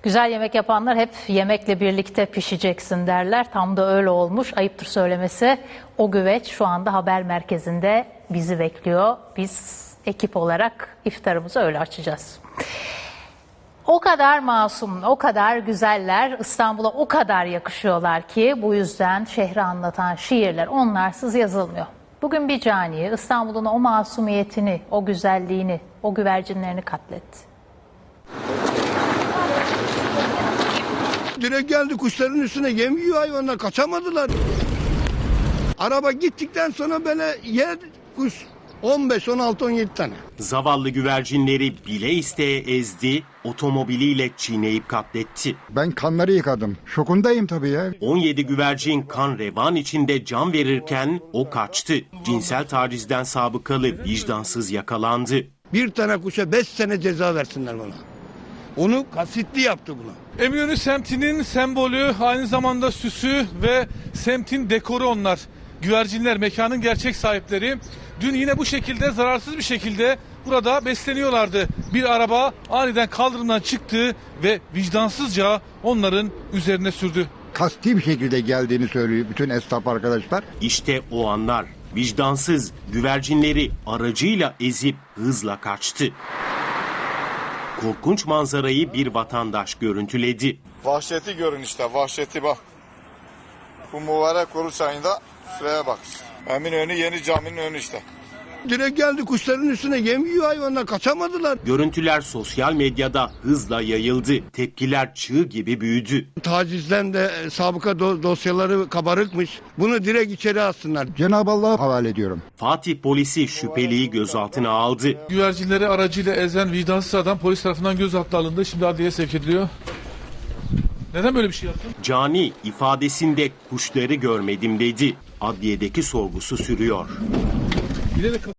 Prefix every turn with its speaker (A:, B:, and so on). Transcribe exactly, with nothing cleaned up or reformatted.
A: Güzel yemek yapanlar hep yemekle birlikte pişeceksin derler. Tam da öyle olmuş. Ayıptır söylemesi. O güveç şu anda haber merkezinde bizi bekliyor. Biz ekip olarak iftarımızı öyle açacağız. O kadar masum, o kadar güzeller, İstanbul'a o kadar yakışıyorlar ki bu yüzden şehri anlatan şiirler onlarsız yazılmıyor. Bugün bir cani İstanbul'un o masumiyetini, o güzelliğini, o güvercinlerini katletti.
B: Direkt geldi kuşların üstüne, yem yiyor hayvanlar, kaçamadılar. Araba gittikten sonra böyle yer kuş on beş, on altı, on yedi tane.
C: Zavallı güvercinleri bile isteye ezdi, otomobiliyle çiğneyip katletti.
D: Ben kanları yıkadım. Şokundayım tabii ya.
C: on yedi güvercin kan revan içinde can verirken o kaçtı. Cinsel tacizden sabıkalı vicdansız yakalandı.
B: Bir tane kuşa beş sene ceza versinler bana. Onu kasıtlı yaptı bunu.
E: Eminönü semtinin sembolü, aynı zamanda süsü ve semtin dekoru onlar. Güvercinler mekanın gerçek sahipleri. Dün yine bu şekilde zararsız bir şekilde burada besleniyorlardı. Bir araba aniden kaldırımdan çıktı ve vicdansızca onların üzerine sürdü.
D: Kasti bir şekilde geldiğini söylüyor bütün esnaf arkadaşlar.
C: İşte o anlar. Vicdansız güvercinleri aracıyla ezip hızla kaçtı. Korkunç manzarayı bir vatandaş görüntüledi.
F: Vahşeti görün işte, vahşeti bak. Bu mübarek Oruç ayında şuraya bak. Eminönü Yeni Cami'nin önü işte.
B: Direkt geldi kuşların üstüne, yem yiyor hayvanlar, kaçamadılar.
C: Görüntüler sosyal medyada hızla yayıldı. Tepkiler çığ gibi büyüdü.
B: Tacizden de e, sabıka do- dosyaları kabarıkmış. Bunu direkt içeri alsınlar.
D: Cenab-ı Allah'a havale ediyorum.
C: Fatih polisi şüpheliyi gözaltına aldı.
E: Güvercinleri aracıyla ezen vicdansız adam polis tarafından gözaltına alındı. Şimdi adliyeye sevk ediliyor. Neden böyle bir şey yaptın?
C: Cani ifadesinde kuşları görmedim dedi. Adliyedeki sorgusu sürüyor.
E: Bilerek